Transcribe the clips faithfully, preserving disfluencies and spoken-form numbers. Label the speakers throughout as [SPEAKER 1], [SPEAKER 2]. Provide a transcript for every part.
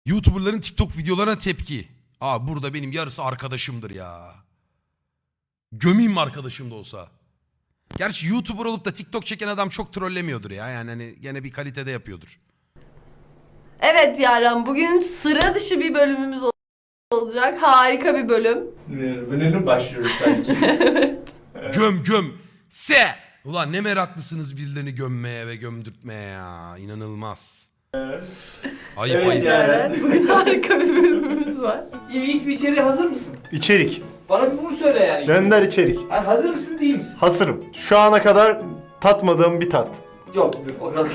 [SPEAKER 1] YouTuber'ların TikTok videolarına tepki. Aa burada benim yarısı arkadaşımdır ya. Gömeyim mi arkadaşım da olsa? Gerçi YouTuber olup da TikTok çeken adam çok trollemiyordur ya. Yani hani gene bir kalitede yapıyordur.
[SPEAKER 2] Evet Yaren, bugün sıra dışı bir bölümümüz ol- olacak. Harika bir bölüm.
[SPEAKER 3] Bölümün başlıyoruz sanki.
[SPEAKER 1] Göm göm. Se. Ulan ne meraklısınız birilerini gömmeye ve gömdürtmeye ya. İnanılmaz. Ayıp
[SPEAKER 3] Evet
[SPEAKER 1] ayıp.
[SPEAKER 3] ya.
[SPEAKER 2] Yaren, bugün harika bir bölümümüz var.
[SPEAKER 3] İlginç bir içeriğe hazır mısın?
[SPEAKER 4] İçerik.
[SPEAKER 3] Bana bir bunu söyle yani.
[SPEAKER 4] Dender içerik.
[SPEAKER 3] Yani hazır mısın değil misin?
[SPEAKER 4] Hazırım. Şu ana kadar tatmadığım bir tat.
[SPEAKER 3] Yok dur o kadar.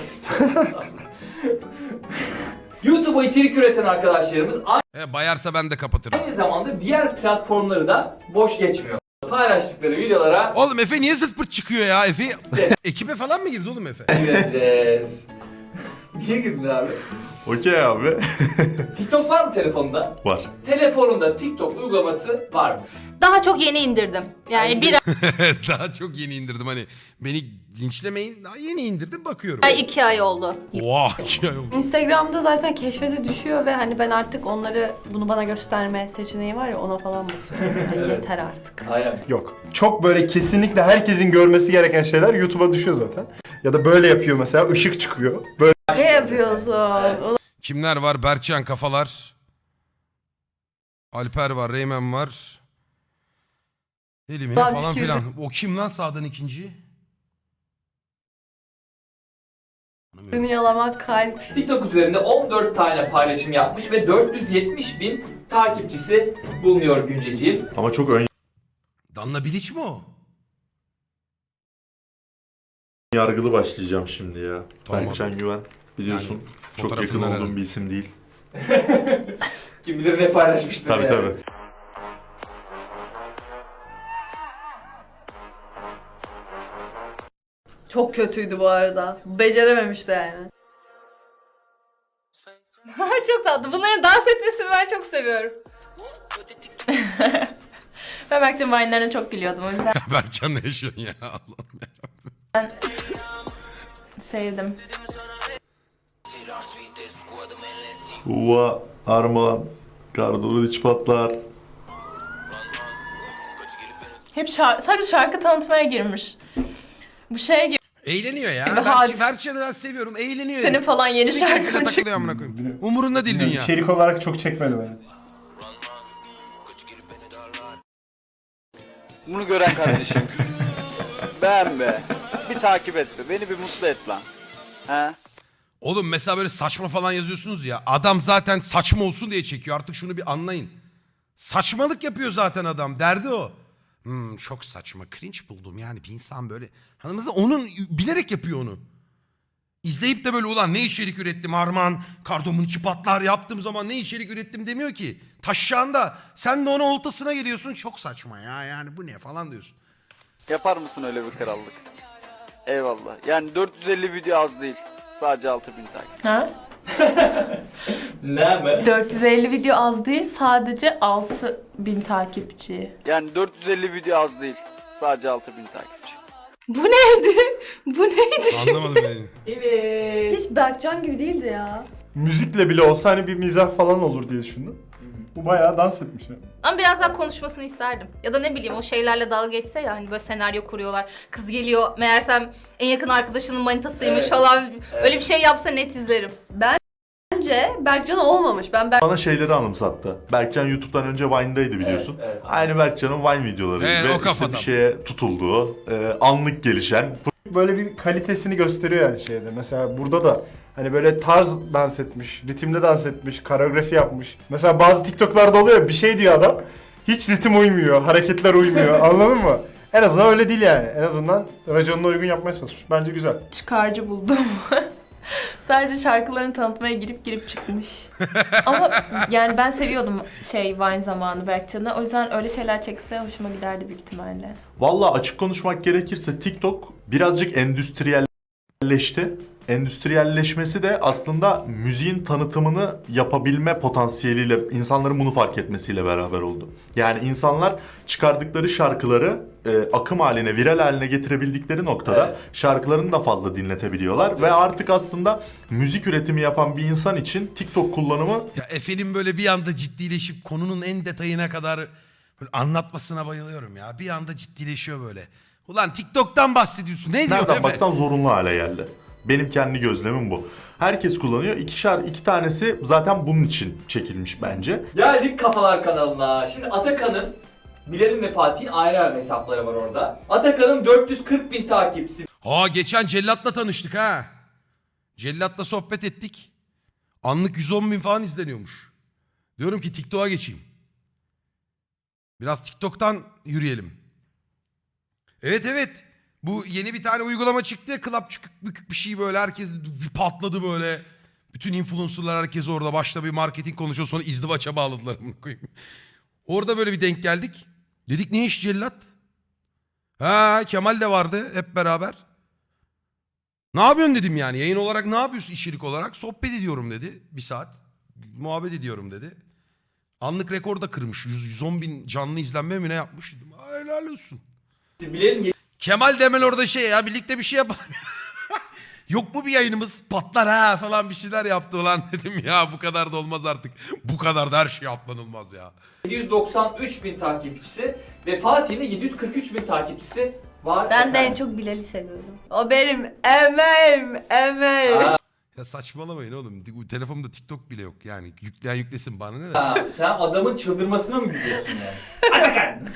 [SPEAKER 3] YouTube'a içerik üreten arkadaşlarımız
[SPEAKER 1] E, bayarsa ben de kapatırım.
[SPEAKER 3] aynı zamanda diğer platformları da boş geçmiyor. Paylaştıkları videolara
[SPEAKER 1] Oğlum Efe niye zırt pırt çıkıyor ya Efe?
[SPEAKER 3] Evet.
[SPEAKER 1] Ekibe falan mı girdi oğlum Efe?
[SPEAKER 3] gireceğiz. Niye girdin abi?
[SPEAKER 4] Okey abi.
[SPEAKER 3] TikTok var mı telefonda?
[SPEAKER 4] Var.
[SPEAKER 3] Telefonunda TikTok uygulaması var mı?
[SPEAKER 5] Daha çok yeni indirdim. Yani bir
[SPEAKER 1] Daha çok yeni indirdim hani. Beni linçlemeyin. Daha yeni indirdim bakıyorum.
[SPEAKER 5] ay iki ay oldu.
[SPEAKER 1] Oha iki ay oldu.
[SPEAKER 2] Instagram'da zaten keşfete düşüyor ve hani ben artık onları, bunu bana gösterme seçeneği var ya, ona falan basıyorum. Yani yeter artık.
[SPEAKER 3] Aynen.
[SPEAKER 4] Yok. Çok böyle kesinlikle herkesin görmesi gereken şeyler YouTube'a düşüyor zaten. Ya da böyle yapıyor mesela, ışık çıkıyor. Böyle
[SPEAKER 2] Ne yapıyorsun? Ulan
[SPEAKER 1] Kimler var? Berkcan Kafalar. Alper var. Reymen var. Elimine
[SPEAKER 2] Lan
[SPEAKER 1] falan
[SPEAKER 2] tükürdüm.
[SPEAKER 1] filan. O kim lan sağdan ikinci?
[SPEAKER 2] Seni yalamak kalp.
[SPEAKER 3] TikTok üzerinde on dört tane paylaşım yapmış ve dört yüz yetmiş bin takipçisi bulunuyor günceciğim.
[SPEAKER 4] ama çok ön
[SPEAKER 1] Danla Bilic mi o?
[SPEAKER 6] Yargılı başlayacağım şimdi ya.
[SPEAKER 1] Tamam.
[SPEAKER 6] Berkcan Güven biliyorsun
[SPEAKER 1] Yani
[SPEAKER 6] çok yakın
[SPEAKER 1] fotoğrafından
[SPEAKER 6] olduğum
[SPEAKER 1] herhalde.
[SPEAKER 6] bir isim değil.
[SPEAKER 3] Kim bilir ne paylaşmıştır
[SPEAKER 6] Tabii
[SPEAKER 3] yani.
[SPEAKER 6] tabii.
[SPEAKER 2] Çok kötüydü bu arada. Becerememişti yani.
[SPEAKER 5] Çok tatlı. Bunların dans etmesini ben çok seviyorum.
[SPEAKER 7] Ben Berkcan Vine'lerine çok gülüyordum o yüzden
[SPEAKER 1] Berkcan ne yaşıyorsun ya Allah'ım ya.
[SPEAKER 7] sevdim.
[SPEAKER 6] Uva, Armağan, Kardolu iç patlar.
[SPEAKER 7] Hep şar- sadece şarkı tanıtmaya girmiş. Bu şeye gibi
[SPEAKER 1] Eğleniyor ya.
[SPEAKER 7] Evet,
[SPEAKER 1] Berk-
[SPEAKER 7] hadi.
[SPEAKER 1] Berkcan'ı ben seviyorum. Eğleniyor.
[SPEAKER 7] senin
[SPEAKER 1] herif.
[SPEAKER 7] falan yeni
[SPEAKER 1] Keyfine
[SPEAKER 7] şarkın çıktı.
[SPEAKER 1] takılıyor amına koyayım. Umurunda değil dünya.
[SPEAKER 4] içerik olarak çok çekmedi beni.
[SPEAKER 8] Bunu gören kardeşim. Beğenme. Bir takip et be. Beni bir mutlu et lan. He?
[SPEAKER 1] Oğlum mesela böyle saçma falan yazıyorsunuz ya. Adam zaten saçma olsun diye çekiyor. Artık şunu bir anlayın. Saçmalık yapıyor zaten adam. Derdi o. Hmm, çok saçma. Cringe buldum. Yani bir insan böyle. Hanımızda onun bilerek yapıyor onu. İzleyip de böyle ulan ne içerik ürettim Arman. Kardomun içi patlar yaptığım zaman ne içerik ürettim demiyor ki. Taşşağında. Sen de onun oltasına geliyorsun. Çok saçma ya. Yani bu ne falan diyorsun.
[SPEAKER 8] Yapar mısın öyle bir krallık? Eyvallah. Yani dört yüz elli video az değil. Sadece altı bin takip.
[SPEAKER 7] Ha?
[SPEAKER 3] Ne mi?
[SPEAKER 7] dört yüz elli video az değil, sadece altı bin takipçi.
[SPEAKER 8] Yani dört yüz elli video az değil. Sadece altı bin takipçi.
[SPEAKER 5] Bu neydi? Bu neydi şimdi?
[SPEAKER 1] Anlamadım beni.
[SPEAKER 3] Evet.
[SPEAKER 2] Hiç Berkcan gibi değildi ya.
[SPEAKER 4] Müzikle bile olsa hani bir mizah falan olur diye düşündüm. Bu bayağı dans etmiş ya.
[SPEAKER 5] Ama biraz daha konuşmasını isterdim. Ya da ne bileyim o şeylerle dalga geçse ya, hani böyle senaryo kuruyorlar. Kız geliyor meğersem en yakın arkadaşının manitasıymış
[SPEAKER 3] Evet.
[SPEAKER 5] falan. Öyle bir şey yapsa net izlerim.
[SPEAKER 2] Bence Berkcan olmamış. Ben Berk
[SPEAKER 6] Bana şeyleri anımsattı. Berkcan YouTube'dan önce Vine'daydı biliyorsun.
[SPEAKER 3] Evet, evet.
[SPEAKER 6] Aynı Berkcan'ın Vine videoları
[SPEAKER 1] Evet,
[SPEAKER 6] gibi
[SPEAKER 1] o
[SPEAKER 6] işte
[SPEAKER 1] kafadan.
[SPEAKER 6] bir şeye tutulduğu, e, anlık gelişen.
[SPEAKER 4] Böyle bir kalitesini gösteriyor yani şeyde. Mesela burada da hani böyle tarz dans etmiş, ritimle dans etmiş, koreografi yapmış. Mesela bazı TikTok'larda oluyor ya, bir şey diyor adam. Hiç ritim uymuyor, hareketler uymuyor. Anladın mı? En azından öyle değil yani. En azından raconuna uygun yapmaya çalışmış. Bence güzel.
[SPEAKER 7] Çıkarcı buldum. Sadece şarkılarını tanıtmaya girip girip çıkmış. Ama yani ben seviyordum şey Vine zamanı Berkcan'ı. O yüzden öyle şeyler çekse hoşuma giderdi büyük ihtimalle.
[SPEAKER 6] Vallahi açık konuşmak gerekirse TikTok birazcık endüstriyelleşti endüstriyelleşti. Endüstriyelleşmesi de aslında müziğin tanıtımını yapabilme potansiyeliyle, insanların bunu fark etmesiyle beraber oldu. Yani insanlar çıkardıkları şarkıları e, akım haline, viral haline getirebildikleri noktada
[SPEAKER 3] Evet.
[SPEAKER 6] şarkılarını da fazla dinletebiliyorlar.
[SPEAKER 3] Evet.
[SPEAKER 6] Ve artık aslında müzik üretimi yapan bir insan için TikTok kullanımı
[SPEAKER 1] Ya Efe'nin böyle bir anda ciddileşip konunun en detayına kadar böyle anlatmasına bayılıyorum ya. Bir anda ciddileşiyor böyle. Ulan TikTok'tan bahsediyorsun. Ne diyor
[SPEAKER 6] nereden
[SPEAKER 1] Efe?
[SPEAKER 6] baksan zorunlu hale geldi. Benim kendi gözlemim bu. Herkes kullanıyor. İkişer, iki tanesi zaten bunun için çekilmiş bence.
[SPEAKER 3] Geldik Kafalar kanalına. Şimdi Atakan'ın, Bilal'in ve Fatih'in ayrı ayrı hesapları var orada. Atakan'ın dört yüz kırk bin takipçisi
[SPEAKER 1] Aa geçen Cellat'la tanıştık ha. Cellat'la sohbet ettik. Anlık yüz on bin falan izleniyormuş. Diyorum ki TikTok'a geçeyim. Biraz TikTok'tan yürüyelim. Evet evet. Bu yeni bir tane uygulama çıktı ya. Club çıkık bükük bir şey böyle. Herkes bir patladı böyle. Bütün influencerlar herkes orada. Başta bir marketing konuşuyor. Sonra izdivaça bağladılar. Bunu koyayım. Orada böyle bir denk geldik. Dedik ne iş Cellat? Ha Kemal de vardı hep beraber. Ne yapıyorsun dedim yani. Yayın olarak ne yapıyorsun içerik olarak? Sohbet ediyorum dedi. Bir saat. Muhabbet ediyorum dedi. Anlık rekor da kırmış. yüz yüz on bin canlı izlenme mi ne yapmış? Dedim. "Aa, helal olsun."
[SPEAKER 3] Bilal'in
[SPEAKER 1] Kemal de hemen orada şey ya birlikte bir şey yapalım. Yok mu bir yayınımız patlar ha falan bir şeyler yaptı ulan dedim ya bu kadar da olmaz artık. Bu kadar da her şey atlanılmaz ya.
[SPEAKER 3] yedi yüz doksan üç bin takipçisi ve Fatih'in de yedi yüz kırk üç bin takipçisi var.
[SPEAKER 2] Ben de en
[SPEAKER 3] efendim.
[SPEAKER 2] çok Bilal'i seviyorum. O benim emeğim, emeğim.
[SPEAKER 3] Ha,
[SPEAKER 1] Ya saçmalamayın oğlum. Bu telefonumda TikTok bile yok yani. Yükleyen yüklesin bana ne de.
[SPEAKER 3] ha, sen adamın çıldırmasına mı gülüyorsun yani? Atakan!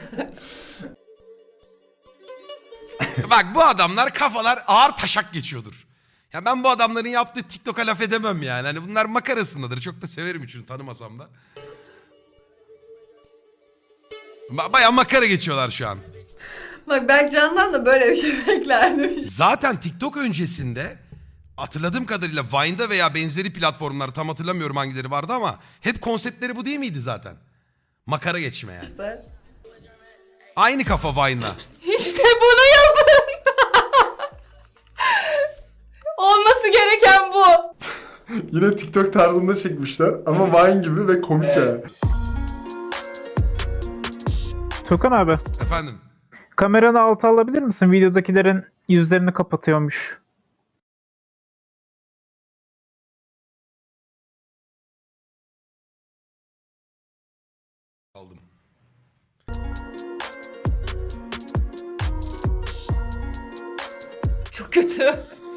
[SPEAKER 1] Bak bu adamlar kafalar ağır taşak geçiyordur. Ya ben bu adamların yaptığı TikTok'a laf edemem yani. Hani bunlar makarasındadır. Çok da severim üçünü tanımasam da. Ba- Bayağı makara geçiyorlar şu an.
[SPEAKER 2] Bak ben Can'dan da böyle bir şey beklerdim.
[SPEAKER 1] Zaten TikTok öncesinde hatırladığım kadarıyla Vine'da veya benzeri platformlar tam hatırlamıyorum hangileri vardı ama hep konseptleri bu değil miydi zaten? Makara geçme yani.
[SPEAKER 2] İşte.
[SPEAKER 1] Aynı kafa Vine'la.
[SPEAKER 5] İşte bunu yapın. Olması gereken bu.
[SPEAKER 4] Yine TikTok tarzında çekmişler ama Vine gibi ve komik
[SPEAKER 3] Evet.
[SPEAKER 4] yani.
[SPEAKER 9] Tukan abi,
[SPEAKER 1] Efendim.
[SPEAKER 9] kameranı alta alabilir misin? Videodakilerin yüzlerini kapatıyormuş.
[SPEAKER 1] Aldım.
[SPEAKER 5] Çok kötü.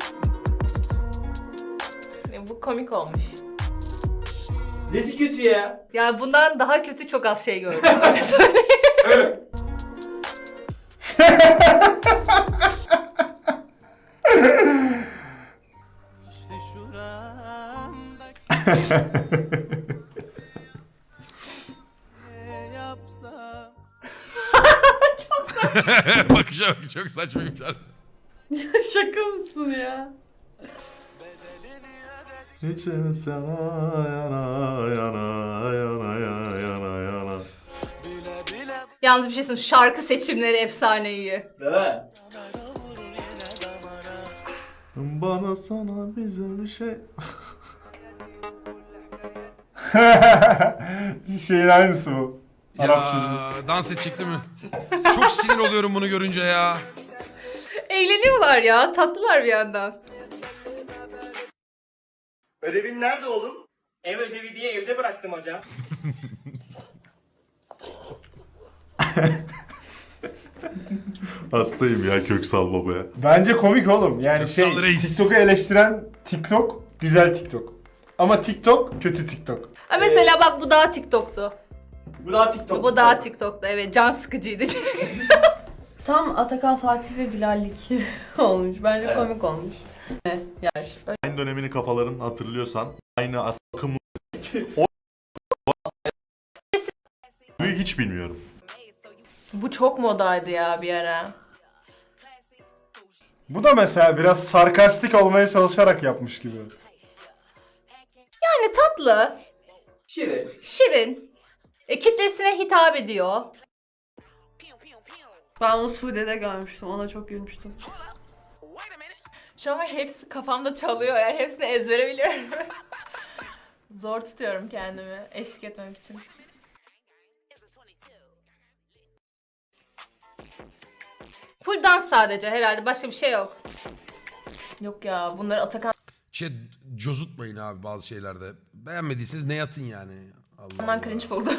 [SPEAKER 7] Bu komik olmuş.
[SPEAKER 3] Nesi kötü ya?
[SPEAKER 5] Yani bundan daha kötü çok az şey gördüm. Öyle söyleyeyim.
[SPEAKER 1] Bakışa bak çok saçmaymış.
[SPEAKER 2] Şaka mısın ya?
[SPEAKER 6] İçim sana yana yana yana yana yana yana.
[SPEAKER 5] Yalnız bir şey söyleyeyim. Şarkı seçimleri efsane iyi.
[SPEAKER 3] Değil mi?
[SPEAKER 6] Bana sana bize bir şey.
[SPEAKER 4] Şeyin aynısı bu. Arap çocuğu.
[SPEAKER 1] Ya dans edecek değil mi? Çok sinir oluyorum bunu görünce ya.
[SPEAKER 5] Eğleniyorlar ya. Tatlılar bir yandan.
[SPEAKER 10] Ödevin nerede oğlum? Ev ödevi diye evde bıraktım hocam.
[SPEAKER 6] Hastayım ya Köksal babaya.
[SPEAKER 4] Bence komik oğlum. Yani
[SPEAKER 1] Köksal
[SPEAKER 4] şey
[SPEAKER 1] Reis.
[SPEAKER 4] TikTok'u eleştiren TikTok güzel TikTok. Ama TikTok kötü TikTok.
[SPEAKER 5] Ha mesela bak bu daha TikTok'tu.
[SPEAKER 3] Bu daha TikTok.
[SPEAKER 5] Bu daha TikTok'tu evet. Can sıkıcıydı.
[SPEAKER 2] Tam Atakan, Fatih ve Bilal'lik olmuş. Bence
[SPEAKER 3] Evet.
[SPEAKER 2] komik olmuş. Yer.
[SPEAKER 6] Aynı dönemini kafaların hatırlıyorsan aynı as- akımlı o Büyük hiç bilmiyorum.
[SPEAKER 7] Bu çok modaydı ya bir ara.
[SPEAKER 4] Bu da mesela biraz sarkastik olmaya çalışarak yapmış gibi.
[SPEAKER 5] Yani tatlı,
[SPEAKER 3] Şirin.
[SPEAKER 5] şirin, e, kitlesine hitap ediyor.
[SPEAKER 2] Ben onu Suudi'de görmüştüm. Ona çok gülmüştüm.
[SPEAKER 7] Şu an hepsi kafamda çalıyor yani hepsini ezbere biliyorum. Zor tutuyorum kendimi eşlik etmek için.
[SPEAKER 5] Full dans sadece herhalde, başka bir şey yok.
[SPEAKER 7] Yok ya bunları Atakan
[SPEAKER 1] Şey cozutmayın abi bazı şeylerde. Beğenmediyseniz ne yatın yani. Allah
[SPEAKER 7] Ondan
[SPEAKER 1] Allah.
[SPEAKER 7] cringe buldum.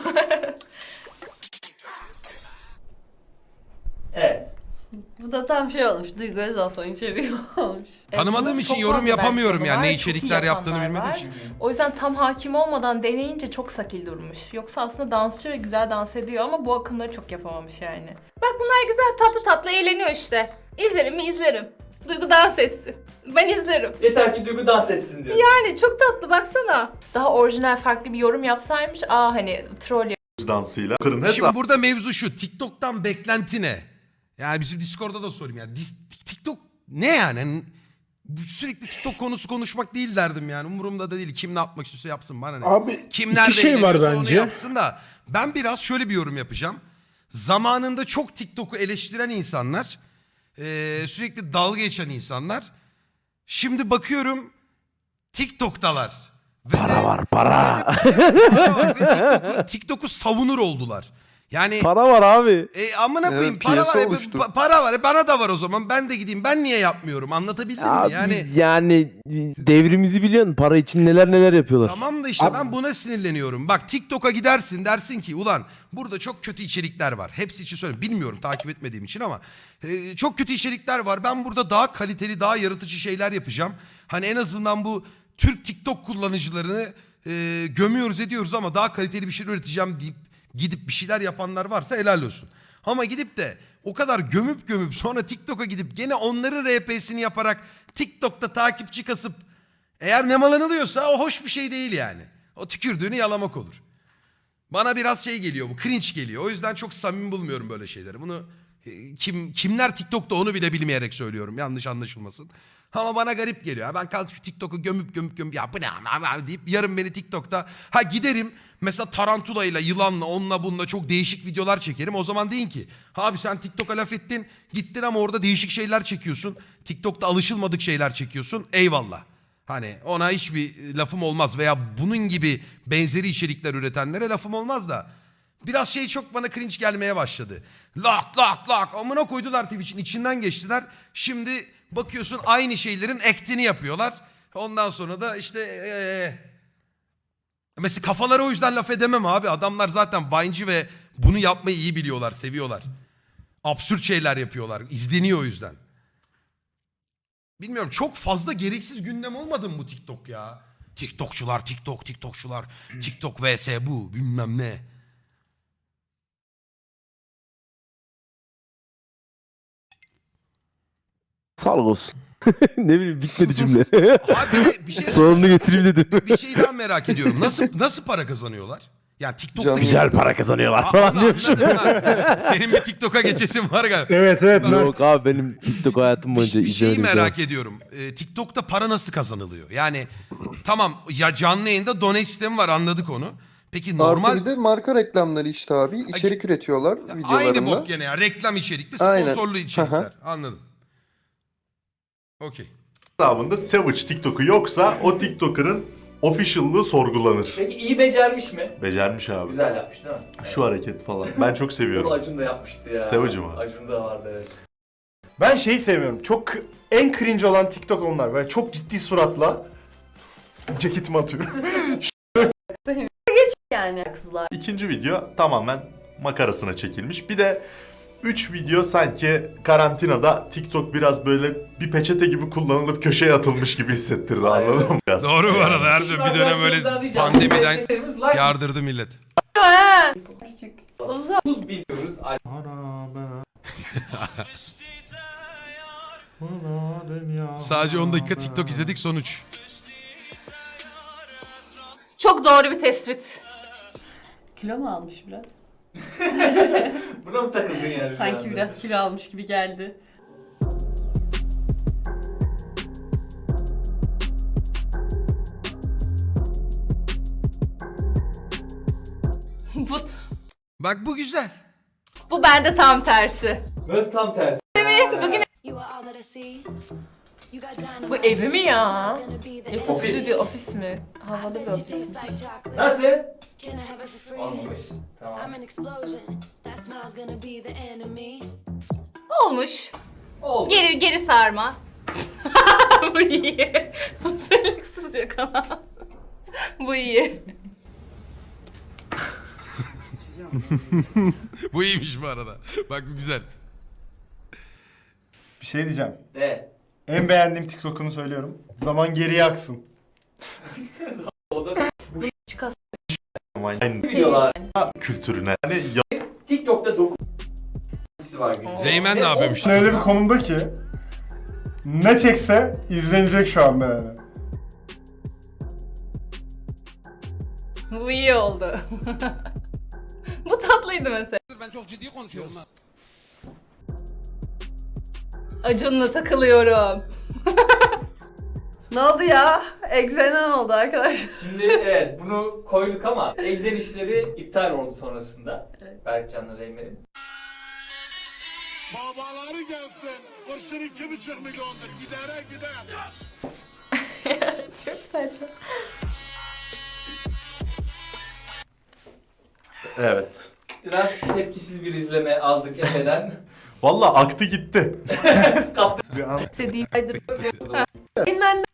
[SPEAKER 3] Evet.
[SPEAKER 2] Bu da tam şey olmuş. Duygu Özalsan içeriği olmuş.
[SPEAKER 1] Tanımadığım
[SPEAKER 7] Bunun
[SPEAKER 1] için
[SPEAKER 7] çok
[SPEAKER 1] yorum
[SPEAKER 7] fazla
[SPEAKER 1] yapamıyorum
[SPEAKER 7] versiyonu
[SPEAKER 1] yani, ne
[SPEAKER 7] var, çok iyi
[SPEAKER 1] içerikler yaptığını
[SPEAKER 7] yapanlar
[SPEAKER 1] bilmediğim
[SPEAKER 7] var.
[SPEAKER 1] için.
[SPEAKER 7] O yüzden tam hakim olmadan deneyince çok sakil durmuş. Yoksa aslında dansçı ve güzel dans ediyor ama bu akımları çok yapamamış yani.
[SPEAKER 5] Bak bunlar güzel, tatlı tatlı eğleniyor işte. İzlerim mi izlerim. Duygu dans etsin. Ben izlerim.
[SPEAKER 3] Yeter ki Duygu dans etsin diyorsun.
[SPEAKER 5] Yani çok tatlı, baksana.
[SPEAKER 7] Daha orijinal farklı bir yorum yapsaymış, aa hani troll
[SPEAKER 6] dansıyla. Kırın
[SPEAKER 1] Şimdi
[SPEAKER 6] hesap.
[SPEAKER 1] burada mevzu şu. TikTok'tan beklenti ne? Yani bizim Discord'da da sorayım yani. Dis- TikTok ne yani? Hani sürekli TikTok konusu konuşmak değil derdim yani. Umurumda da değil. Kim ne yapmak istiyorsa yapsın, bana ne?
[SPEAKER 11] Abi
[SPEAKER 1] Kim
[SPEAKER 11] iki
[SPEAKER 1] nerede
[SPEAKER 11] şey var
[SPEAKER 1] eğleniyorsa onu
[SPEAKER 11] bence.
[SPEAKER 1] yapsın da. Ben biraz şöyle bir yorum yapacağım. Zamanında çok TikTok'u eleştiren insanlar, eee, sürekli dalga geçen insanlar, şimdi bakıyorum TikTok'talar. Ve
[SPEAKER 11] Para
[SPEAKER 1] de-
[SPEAKER 11] var para.
[SPEAKER 1] ve de- para var ve TikTok'u, TikTok'u savunur oldular. Yani
[SPEAKER 11] Para var abi.
[SPEAKER 1] e, amına
[SPEAKER 12] Evet,
[SPEAKER 1] koyayım para
[SPEAKER 12] piyasa
[SPEAKER 1] var, e,
[SPEAKER 12] oluştu.
[SPEAKER 1] pa- para var, e, bana da var o zaman, ben de gideyim, ben niye yapmıyorum, anlatabildim mi?
[SPEAKER 11] Abi
[SPEAKER 1] Yani
[SPEAKER 11] yani devrimizi biliyorsun. Para için neler neler yapıyorlar.
[SPEAKER 1] tamam da işte
[SPEAKER 11] Abi-
[SPEAKER 1] ben buna sinirleniyorum. Bak TikTok'a gidersin, dersin ki ulan burada çok kötü içerikler var. Hepsi için söylüyorum, bilmiyorum takip etmediğim için ama e, çok kötü içerikler var. Ben burada daha kaliteli, daha yaratıcı şeyler yapacağım. Hani en azından bu Türk TikTok kullanıcılarını e, gömüyoruz ediyoruz ama daha kaliteli bir şey üreteceğim deyip gidip bir şeyler yapanlar varsa helal olsun. Ama gidip de o kadar gömüp gömüp sonra TikTok'a gidip gene onların R P'sini yaparak TikTok'ta takipçi kasıp eğer nemalanılıyorsa o hoş bir şey değil yani. O tükürdüğünü yalamak olur. Bana biraz şey geliyor, bu cringe geliyor. O yüzden çok samimi bulmuyorum böyle şeyleri. Bunu e, kim kimler TikTok'ta onu bile bilmeyerek söylüyorum. Yanlış anlaşılmasın. Ama bana garip geliyor. Ha, ben kalkıp şu TikTok'u gömüp gömüp gömüp ya bu ne ama deyip yarın beni TikTok'ta ha giderim mesela tarantulayla, yılanla, onunla bununla çok değişik videolar çekerim. O zaman deyin ki abi sen TikTok'a laf ettin, gittin ama orada değişik şeyler çekiyorsun. TikTok'ta alışılmadık şeyler çekiyorsun. Eyvallah. Hani ona hiçbir lafım olmaz veya bunun gibi benzeri içerikler üretenlere lafım olmaz da biraz şey çok bana cringe gelmeye başladı. Lak lak lak amına koydular Twitch'in içinden geçtiler. Şimdi bakıyorsun aynı şeylerin act'ini yapıyorlar. Ondan sonra da işte ee, mesela kafaları o yüzden laf edemem abi. Adamlar zaten Vine'ci ve bunu yapmayı iyi biliyorlar, seviyorlar. Absürt şeyler yapıyorlar. İzleniyor o yüzden. Bilmiyorum, çok fazla gereksiz gündem olmadı mı bu TikTok ya? TikTokçular, TikTok, TikTokçular, TikTok vs bu bilmem ne.
[SPEAKER 11] Sağlık olsun. Ne bileyim bitmedi cümle.
[SPEAKER 1] Abi bir, de bir şey
[SPEAKER 11] Sonunu getireyim dedim.
[SPEAKER 1] bir, bir şey daha merak ediyorum. Nasıl nasıl para kazanıyorlar? Yani TikTok'ta
[SPEAKER 12] Canlı-
[SPEAKER 11] Güzel para kazanıyorlar
[SPEAKER 1] Aa,
[SPEAKER 11] falan
[SPEAKER 1] onu
[SPEAKER 11] diyor.
[SPEAKER 1] anladım lan. Senin bir TikTok'a geçesin var galiba.
[SPEAKER 11] Evet evet. Yok abi benim TikTok hayatım boyunca
[SPEAKER 1] Bir, bir şeyi
[SPEAKER 11] izlemedim.
[SPEAKER 1] merak ediyorum. Ee, TikTok'ta para nasıl kazanılıyor? Yani tamam ya canlı yayında donate sistemi var, anladık onu. Peki normal
[SPEAKER 12] Artı bir de marka reklamları işte abi. İçerik üretiyorlar
[SPEAKER 1] aynı
[SPEAKER 12] videolarında.
[SPEAKER 1] bok gene ya, reklam içerikli,
[SPEAKER 12] Aynen.
[SPEAKER 1] sponsorlu içerikler.
[SPEAKER 12] Aha.
[SPEAKER 1] Anladım. Okey.
[SPEAKER 6] Hesabında Savage TikTok'u yoksa o TikToker'ın official'lığı sorgulanır.
[SPEAKER 3] Peki iyi becermiş mi?
[SPEAKER 6] Becermiş abi.
[SPEAKER 3] Güzel yapmış değil mi?
[SPEAKER 6] Şu hareket falan. Ben çok
[SPEAKER 3] Bunu
[SPEAKER 6] seviyorum.
[SPEAKER 3] Acun da yapmıştı ya.
[SPEAKER 6] Savage mı?
[SPEAKER 3] Acun da vardı evet.
[SPEAKER 4] Ben şeyi sevmiyorum. Çok k- en cringe olan TikTok onlar. Böyle çok ciddi suratla ceketimi atıyorum.
[SPEAKER 2] Yani kızlar.
[SPEAKER 6] İkinci video tamamen makarasına çekilmiş. Bir de üç video sanki karantinada TikTok biraz böyle bir peçete gibi kullanılıp köşeye atılmış gibi hissettirdi, anladın mı? Biraz.
[SPEAKER 1] Doğru bu
[SPEAKER 6] Yani.
[SPEAKER 1] arada, her şey bir dönem öyle pandemiden yardırdı millet.
[SPEAKER 2] Küçük. Uzak.
[SPEAKER 3] dokuz biliyoruz.
[SPEAKER 1] Sadece on dakika TikTok izledik, sonuç.
[SPEAKER 5] Çok doğru bir tespit.
[SPEAKER 2] Kilo mu almış biraz?
[SPEAKER 3] Buna mı takıldın yani şu
[SPEAKER 2] Sanki
[SPEAKER 3] anda?
[SPEAKER 2] biraz kilo almış gibi geldi.
[SPEAKER 5] bu,
[SPEAKER 1] Bak bu güzel.
[SPEAKER 5] bu bende tam tersi.
[SPEAKER 3] Nasıl tam tersi?
[SPEAKER 5] Bugün
[SPEAKER 7] Bu evi mi ya? Yoksa
[SPEAKER 3] Ofis.
[SPEAKER 7] stüdyo, ofis mi? Havalı bir ofis mi?
[SPEAKER 3] Nasıl? Olmamış. Tamam.
[SPEAKER 5] Olmuş.
[SPEAKER 3] Oldu.
[SPEAKER 5] Geri geri sarma. Bu iyi. Hazırlıksız yakala. Bu iyi.
[SPEAKER 1] Bu iyiymiş bu arada. Bak bu güzel.
[SPEAKER 4] Bir şey diyeceğim.
[SPEAKER 3] De.
[SPEAKER 4] En beğendiğim TikTok'unu söylüyorum. Zaman geriye aksın.
[SPEAKER 3] O da
[SPEAKER 6] Aynı
[SPEAKER 3] biliyorlar.
[SPEAKER 6] kültürüne. Yani ya-
[SPEAKER 3] TikTok'ta dokuz kişisi var günde.
[SPEAKER 1] Reymen
[SPEAKER 3] Ve
[SPEAKER 1] ne
[SPEAKER 3] o-
[SPEAKER 1] yapıyormuş?
[SPEAKER 4] Öyle bir konumda ki ne çekse izlenecek şu anda yani.
[SPEAKER 5] Bu iyi oldu. Bu tatlıydı mesela.
[SPEAKER 1] Ben çok ciddi konuşuyorum.
[SPEAKER 5] Acun'la takılıyorum.
[SPEAKER 2] Ne oldu ya? Egzenen oldu arkadaşlar.
[SPEAKER 3] Şimdi evet bunu koyduk ama egzen işleri iptal oldu sonrasında. Berkcan'la Reymen'in.
[SPEAKER 10] Babaları gelsin. Kurşun iki buçuk milyondur. Gidere gider.
[SPEAKER 7] Çok saçma.
[SPEAKER 6] evet.
[SPEAKER 3] Biraz tepkisiz bir izleme aldık Efe'den.
[SPEAKER 6] Valla aktı gitti.
[SPEAKER 3] Kaptı.
[SPEAKER 4] Bir an
[SPEAKER 7] İstediğim
[SPEAKER 2] Bilmem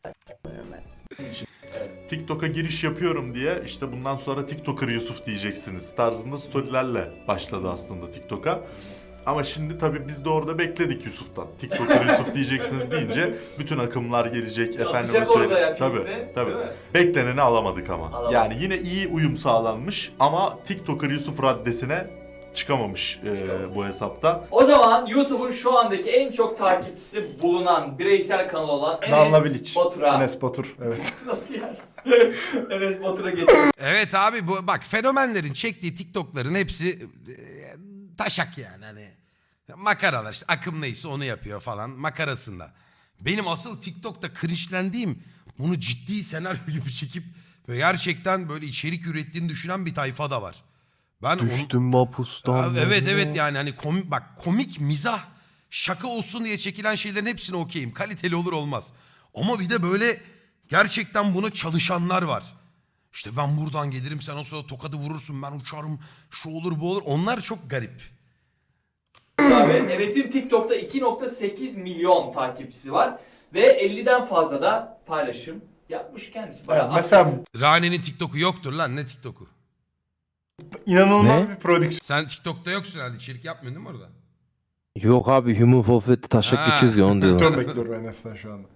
[SPEAKER 6] TikTok'a giriş yapıyorum diye işte bundan sonra TikToker Yusuf diyeceksiniz tarzında storylerle başladı aslında TikTok'a. Ama şimdi tabii biz de orada bekledik Yusuf'tan. TikToker Yusuf diyeceksiniz deyince bütün akımlar gelecek. Efendime
[SPEAKER 3] Atacak orada ya
[SPEAKER 6] söyleyeyim.
[SPEAKER 3] filmde,
[SPEAKER 6] Tabii tabii.
[SPEAKER 3] değil mi?
[SPEAKER 6] Bekleneni alamadık ama.
[SPEAKER 3] Alamadık.
[SPEAKER 6] Yani yine iyi uyum sağlanmış ama TikToker Yusuf raddesine çıkamamış e, bu hesapta.
[SPEAKER 3] O zaman YouTube'un şu andaki en çok takipçisi bulunan bireysel kanal olan
[SPEAKER 4] Danla
[SPEAKER 3] Enes
[SPEAKER 4] Bilic.
[SPEAKER 3] Batur'a.
[SPEAKER 4] Enes Batur. Evet.
[SPEAKER 3] Nasıl yani? Enes Batur'a geçiyoruz.
[SPEAKER 1] Evet abi bu bak fenomenlerin çektiği TikTok'ların hepsi e, taşak yani hani makaralar işte akım neyse onu yapıyor falan makarasında. Benim asıl TikTok'ta cringe'lendiğim bunu ciddi senaryo gibi çekip böyle gerçekten böyle içerik ürettiğini düşünen bir tayfa da var. Ben onu-
[SPEAKER 12] mapustan.
[SPEAKER 1] Abi evet evet yani hani komik bak komik mizah şaka olsun diye çekilen şeylerin hepsine okeyim. Kaliteli olur olmaz. Ama bir de böyle gerçekten buna çalışanlar var. İşte ben buradan gelirim sen o sırada tokadı vurursun ben uçarım şu olur bu olur. Onlar çok garip.
[SPEAKER 3] Abi Enes'in TikTok'ta iki nokta sekiz milyon takipçisi var ve elliden fazla da paylaşım yapmış kendisi. Bayağı
[SPEAKER 4] Yani mesela
[SPEAKER 1] Rane'nin TikTok'u yoktur lan ne TikTok'u?
[SPEAKER 4] inanılmaz
[SPEAKER 11] Ne?
[SPEAKER 4] bir prodüksiyon.
[SPEAKER 1] Sen TikTok'ta yoksun herhalde içerik yapmıyorsun değil mi orada?
[SPEAKER 11] Yok abi Human Fall Flat'te taşak
[SPEAKER 1] Ha.
[SPEAKER 11] geçiyoruz ya onu diyorlar.
[SPEAKER 4] bekliyorum Enes'ten şu anda.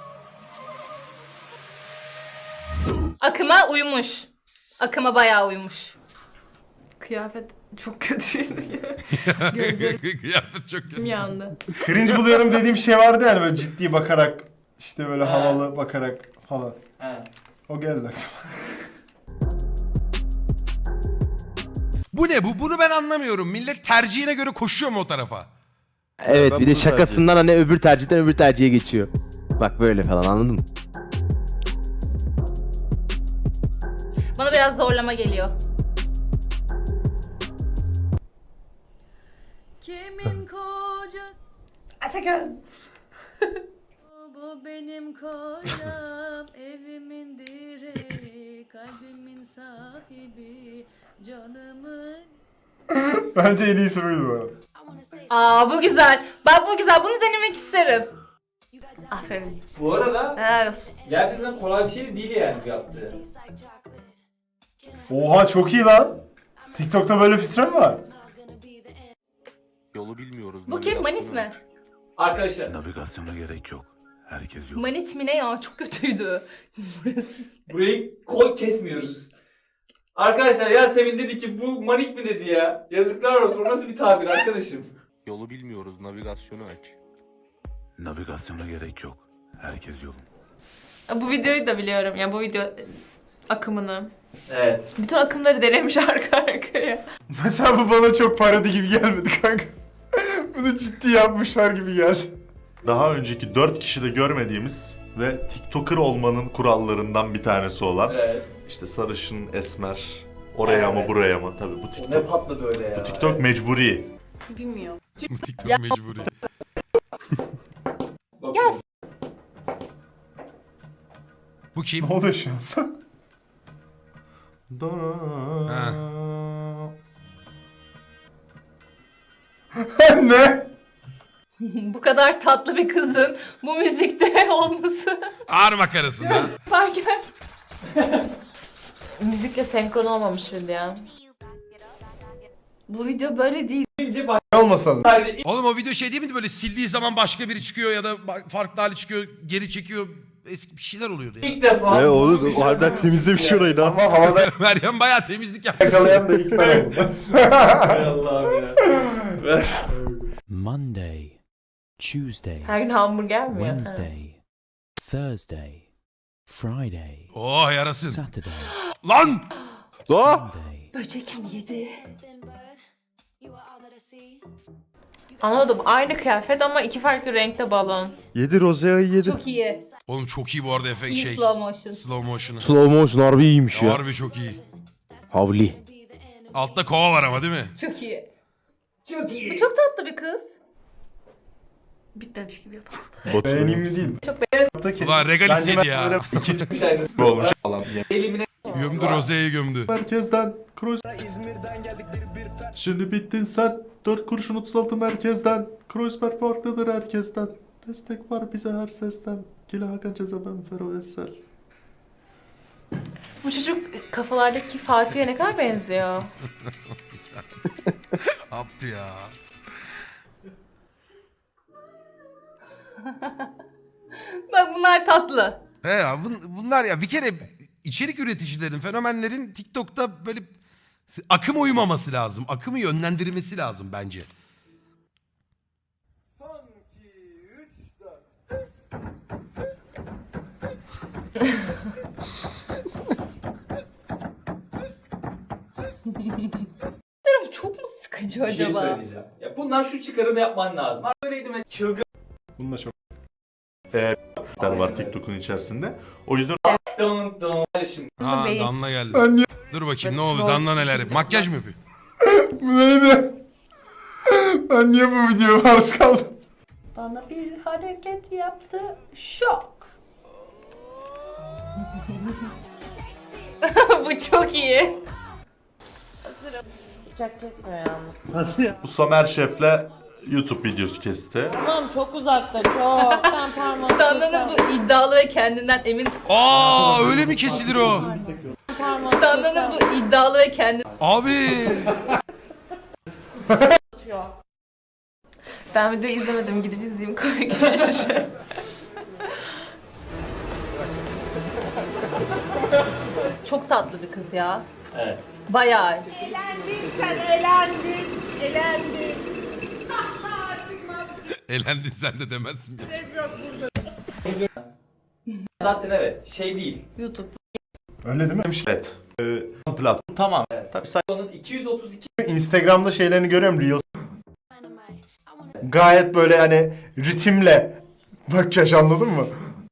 [SPEAKER 5] Akıma uymuş. Akıma bayağı uymuş.
[SPEAKER 7] kıyafet çok kötüydü ya. Gözlerim
[SPEAKER 1] Kıyafet çok kötü.
[SPEAKER 7] yandı.
[SPEAKER 4] Cringe buluyorum dediğim şey vardı yani böyle ciddi bakarak işte böyle
[SPEAKER 3] Ha.
[SPEAKER 4] havalı bakarak falan.
[SPEAKER 3] He.
[SPEAKER 4] O geldi aklıma.
[SPEAKER 1] Bu ne bu? Bunu ben anlamıyorum. Millet tercihine göre koşuyor mu o tarafa?
[SPEAKER 11] Evet
[SPEAKER 12] Ben
[SPEAKER 11] bir de
[SPEAKER 12] bunu
[SPEAKER 11] şakasından hani öbür tercihten öbür tercihe geçiyor. Bak böyle falan anladın mı?
[SPEAKER 5] Bana biraz zorlama geliyor.
[SPEAKER 13] Kimin kocası
[SPEAKER 2] Atakan.
[SPEAKER 13] bu benim kocam, evimin direği, kalbimin sahibi, canımın.
[SPEAKER 4] Bence en iyisi buydu bu arada.
[SPEAKER 5] Aa bu güzel. Bak bu güzel. Bunu denemek isterim.
[SPEAKER 2] Aferin.
[SPEAKER 3] Bu arada
[SPEAKER 2] Helal olsun.
[SPEAKER 3] gerçekten kolay bir şey değil yani bu yaptığı.
[SPEAKER 4] Oha çok iyi lan. TikTok'ta böyle filtre mi var?
[SPEAKER 12] Yolu bilmiyoruz.
[SPEAKER 5] Bu kim? Manit mi?
[SPEAKER 3] Arkadaşlar
[SPEAKER 12] Navigasyona gerek yok. Herkes yol.
[SPEAKER 5] Manit mi ne ya? Çok kötüydü.
[SPEAKER 3] burayı koy kesmiyoruz. Arkadaşlar Yasemin dedi ki bu manik mi dedi ya. Yazıklar olsun o nasıl bir tabir arkadaşım.
[SPEAKER 12] Yolu bilmiyoruz. Navigasyonu aç. Navigasyona gerek yok. Herkes yolun.
[SPEAKER 7] Bu videoyu da biliyorum. Yani bu video akımını.
[SPEAKER 3] Evet.
[SPEAKER 7] Bütün akımları denemiş arka arkaya.
[SPEAKER 4] Mesela bu bana çok parodi gibi gelmedi kanka. Bunu ciddi yapmışlar gibi geldi.
[SPEAKER 6] Daha önceki dört kişide görmediğimiz ve TikToker olmanın kurallarından bir tanesi olan
[SPEAKER 3] Evet.
[SPEAKER 6] işte sarışın, esmer, oraya mı
[SPEAKER 3] Evet.
[SPEAKER 6] buraya mı tabii bu
[SPEAKER 3] O ne
[SPEAKER 6] TikTok.
[SPEAKER 3] patladı öyle ya.
[SPEAKER 6] Bu TikTok
[SPEAKER 3] Evet.
[SPEAKER 6] mecburi.
[SPEAKER 2] Bilmiyorum.
[SPEAKER 1] TikTok mecburi.
[SPEAKER 3] Bak-
[SPEAKER 5] Ya
[SPEAKER 1] Bu kim?
[SPEAKER 4] Ne oluyor şu an?
[SPEAKER 1] Ha.
[SPEAKER 4] Ne?
[SPEAKER 5] Bu kadar tatlı bir kızın bu müzikte olması
[SPEAKER 1] Ağır makarasında.
[SPEAKER 5] fark eder.
[SPEAKER 7] Müzikle senkron olmamış video.
[SPEAKER 2] Bu video böyle değil.
[SPEAKER 4] Ne olması lazım?
[SPEAKER 1] Oğlum o video şey değil miydi böyle sildiği zaman başka biri çıkıyor ya da ba- farklı hali çıkıyor, geri çekiyor. Eski bir şeyler oluyordu ya.
[SPEAKER 3] İlk defa.
[SPEAKER 6] Ne olur o harbiden temizlemiş orayı da.
[SPEAKER 4] Ama havada
[SPEAKER 1] Meryem bayağı temizlik yaptı.
[SPEAKER 4] yakalayan da ilk ben oldum.
[SPEAKER 3] Hay Allah'ım ya. Ver.
[SPEAKER 14] Monday, Tuesday,
[SPEAKER 7] Her gün hamburger mi ya?
[SPEAKER 14] Wednesday, Thursday, Friday,
[SPEAKER 1] Oh yarasın.
[SPEAKER 14] Saturday,
[SPEAKER 1] Lan!
[SPEAKER 14] Sunday.
[SPEAKER 5] Böcek mi yedi?
[SPEAKER 7] Anladım. Aynı kıyafet ama iki farklı renkte balon.
[SPEAKER 6] Yedi Rozea'yı yedi.
[SPEAKER 5] Çok iyi.
[SPEAKER 1] Oğlum çok iyi bu arada efekt
[SPEAKER 5] İyi
[SPEAKER 1] şey.
[SPEAKER 5] slow motion.
[SPEAKER 1] Slow motion'ı.
[SPEAKER 11] Slow motion harbi iyiymiş ya.
[SPEAKER 1] Harbi çok iyi.
[SPEAKER 11] Havli.
[SPEAKER 1] Altta kova var ama değil mi?
[SPEAKER 5] Çok iyi. Çok iyi. Bu çok tatlı bir kız.
[SPEAKER 2] Bitmemiş gibi yapalım.
[SPEAKER 4] Beğeneyim mi değil?
[SPEAKER 7] Çok beğendim.
[SPEAKER 4] Kesin.
[SPEAKER 1] Ulan regalis
[SPEAKER 4] Bence
[SPEAKER 1] yedi
[SPEAKER 4] ben
[SPEAKER 1] ya.
[SPEAKER 4] böyle
[SPEAKER 3] Bir şey
[SPEAKER 6] olmuş falan.
[SPEAKER 3] Elimine
[SPEAKER 1] Gömdü Roze'yi gömdü.
[SPEAKER 6] Merkezden Kroos. Şimdi bittin sen. Dört kurşun otuz altı merkezden. Kreuzberg farklıdır herkesten. Destek var bize her sesten. Kila Hakan Ceza ben Fero Essel.
[SPEAKER 7] Bu çocuk kafalardaki Fatih'e ne kadar benziyor.
[SPEAKER 1] Yaptı ya.
[SPEAKER 5] Bak bunlar tatlı.
[SPEAKER 1] He ya bun- bunlar ya bir kere içerik üreticilerin, fenomenlerin TikTok'ta böyle akıma uymaması lazım. Akımı yönlendirmesi lazım bence.
[SPEAKER 5] Durum çok mu sıkıcı
[SPEAKER 3] bir şey
[SPEAKER 5] acaba?
[SPEAKER 3] söyleyeceğim. Ya bundan şu çıkarımı yapman lazım. Ha, böyleydi mesela çılgın.
[SPEAKER 4] Bununla çok.
[SPEAKER 6] Eee var TikTok'un içerisinde. O yüzden
[SPEAKER 3] Dın dın. Şimdi
[SPEAKER 1] Ha
[SPEAKER 7] değil.
[SPEAKER 1] Danla geldi.
[SPEAKER 4] Ben niye?
[SPEAKER 1] Dur bakayım ne oldu? Danla neler? Makyaj mı yapıyor?
[SPEAKER 4] Bu neydi? Ben niye bu videoya maruz kaldım?
[SPEAKER 2] Bana bir hareket yaptı. Şok.
[SPEAKER 5] Bu çok iyi.
[SPEAKER 7] Bıçak kesmiyor yalnız.
[SPEAKER 6] bu Somer Şef'le YouTube videosu kesti.
[SPEAKER 7] Tamam çok uzakta çok. Ben parmağımı
[SPEAKER 5] Danla'nın bu iddialı ve kendinden emin.
[SPEAKER 1] Aa öyle mi kesilir o?
[SPEAKER 5] Danla'nın bu iddialı ve kendi.
[SPEAKER 1] Abi.
[SPEAKER 7] Ben videoyu izlemedim. Gidip izleyeyim komik bir şey.
[SPEAKER 5] Çok tatlı bir kız ya.
[SPEAKER 3] Evet.
[SPEAKER 5] Bayağı.
[SPEAKER 1] Eğlendin sen de demezsin.
[SPEAKER 3] Zaten evet şey değil.
[SPEAKER 2] YouTube.
[SPEAKER 4] Öyle değil mi?
[SPEAKER 6] Evet. Ee, platform tamam. Tabii say-
[SPEAKER 3] Onun iki yüz otuz iki
[SPEAKER 4] Instagram'da şeylerini görüyorum Reels. Gayet böyle hani ritimle makyaj, anladın mı?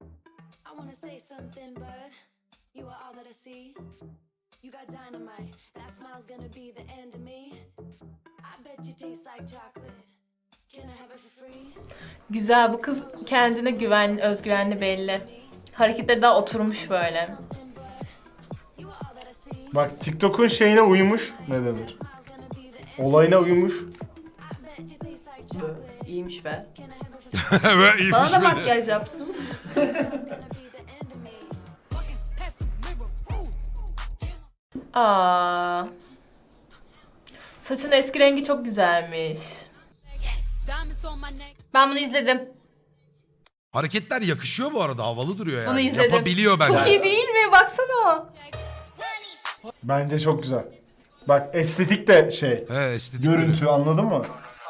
[SPEAKER 7] Güzel, bu kız kendine güven, özgüvenli belli. Hareketleri daha oturmuş böyle.
[SPEAKER 4] Bak TikTok'un şeyine uymuş. Ne denir? Olayına uymuş.
[SPEAKER 2] İyiymiş be.
[SPEAKER 1] Böyle iyiymiş
[SPEAKER 2] Bana da
[SPEAKER 1] böyle.
[SPEAKER 2] makyaj yapsın.
[SPEAKER 7] Aa. Saçın eski rengi çok güzelmiş.
[SPEAKER 5] Ben bunu izledim.
[SPEAKER 1] Hareketler yakışıyor bu arada. Havalı duruyor yani.
[SPEAKER 5] Bunu izledim.
[SPEAKER 1] Yapabiliyor bence.
[SPEAKER 5] Çok iyi değil mi? Baksana.
[SPEAKER 4] Bence çok güzel. Bak estetik de şey.
[SPEAKER 1] He estetik.
[SPEAKER 4] Görüntü, anladın mı?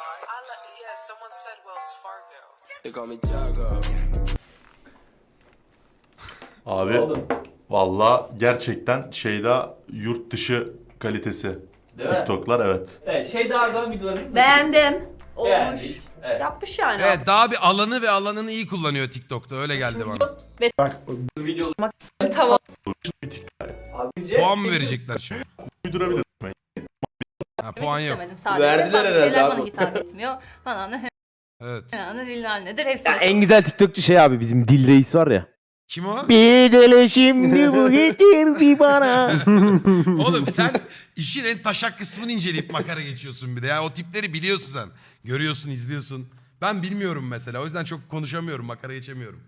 [SPEAKER 6] Abi
[SPEAKER 3] oldu.
[SPEAKER 6] valla gerçekten şeyde yurt dışı kalitesi.
[SPEAKER 3] Değil mi?
[SPEAKER 6] TikTok'lar evet.
[SPEAKER 3] Evet şey daha Erdoğan videolarını
[SPEAKER 2] Beğendim. Olmuş.
[SPEAKER 3] Beğendik, evet.
[SPEAKER 2] Yapmış yani.
[SPEAKER 1] Evet daha bir alanı ve alanını iyi kullanıyor TikTok'ta. Öyle geldi bana.
[SPEAKER 4] Bak
[SPEAKER 3] video
[SPEAKER 7] Tamam.
[SPEAKER 3] abince
[SPEAKER 1] Puan mı verecekler şimdi?
[SPEAKER 6] Uydurabilir.
[SPEAKER 1] Ha, puan yok.
[SPEAKER 5] İstemedim sadece.
[SPEAKER 3] Verdiler
[SPEAKER 5] Bazı
[SPEAKER 3] herhalde
[SPEAKER 5] şeyler
[SPEAKER 3] abi.
[SPEAKER 5] bana hitap etmiyor. Bana ne
[SPEAKER 1] Evet.
[SPEAKER 5] ne nedir hepsi.
[SPEAKER 11] Ya en güzel TikTokçu şey abi bizim Dil Reis var ya.
[SPEAKER 1] Kim o?
[SPEAKER 11] Bir deli şimdi bu getirdi bana.
[SPEAKER 1] Oğlum sen işin en taşak kısmını inceleyip makara geçiyorsun bir de. Yani o tipleri biliyorsun sen. Görüyorsun, izliyorsun. Ben bilmiyorum mesela. O yüzden çok konuşamıyorum, makara geçemiyorum.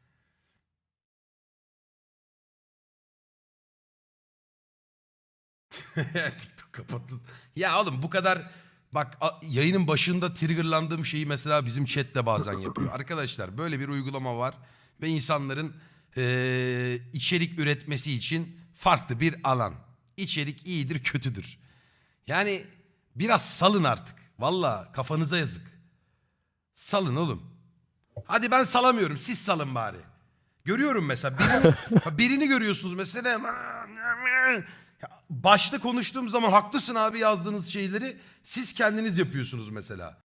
[SPEAKER 1] TikTok kapattın. Ya oğlum bu kadar bak a- yayının başında triggerlandığım şeyi mesela bizim chat de bazen yapıyor. Arkadaşlar böyle bir uygulama var ve insanların eee, içerik üretmesi için farklı bir alan. İçerik iyidir, kötüdür. Yani biraz salın artık. Valla kafanıza yazık. Salın oğlum. Hadi ben salamıyorum, siz salın bari. Görüyorum mesela birini, birini görüyorsunuz mesela. Ya başta konuştuğum zaman haklısın abi yazdığınız şeyleri siz kendiniz yapıyorsunuz mesela.